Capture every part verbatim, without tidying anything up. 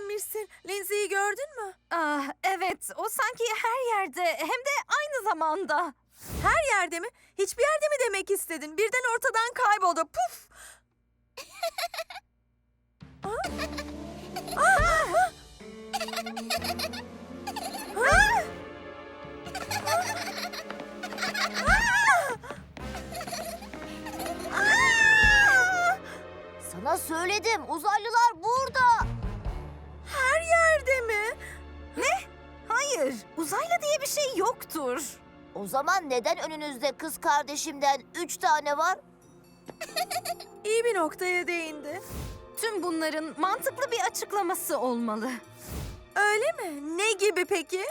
öğrenmişsin. Lindsay'i gördün mü? Ah, evet, o sanki her yerde hem de aynı zamanda. Her yerde mi? Hiçbir yerde mi demek istedin? Birden ortadan kayboldu. Puf! Aa! Aa! Aa! Aa! Sana söyledim, uzaylılar burada. Her yerde mi? Hayır, uzaylı diye bir şey yoktur. O zaman neden önünüzde kız kardeşimden üç tane var? İyi bir noktaya değindi. Tüm bunların mantıklı bir açıklaması olmalı. Öyle mi? Ne gibi peki?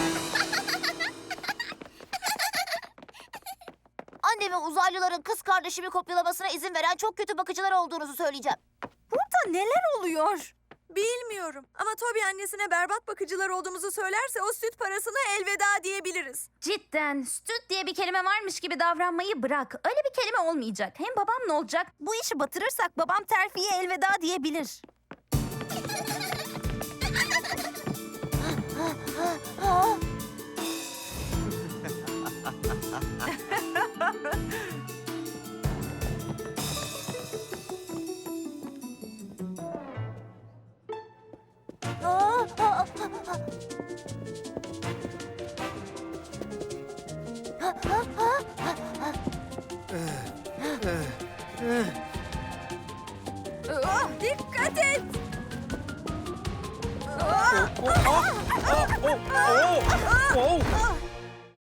Anneme uzaylıların kız kardeşimi kopyalamasına izin veren çok kötü bakıcılar olduğunuzu söyleyeceğim. Burada neler oluyor? Bilmiyorum. Ama Toby annesine berbat bakıcılar olduğumuzu söylerse o süt parasına elveda diyebiliriz. Cidden süt diye bir kelime varmış gibi davranmayı bırak. Öyle bir kelime olmayacak. Hem babam ne olacak? Bu işi batırırsak babam terfiye elveda diyebilir. Aa, aa, Ah, dikkat et! Oh, oh, oh, oh, oh, oh.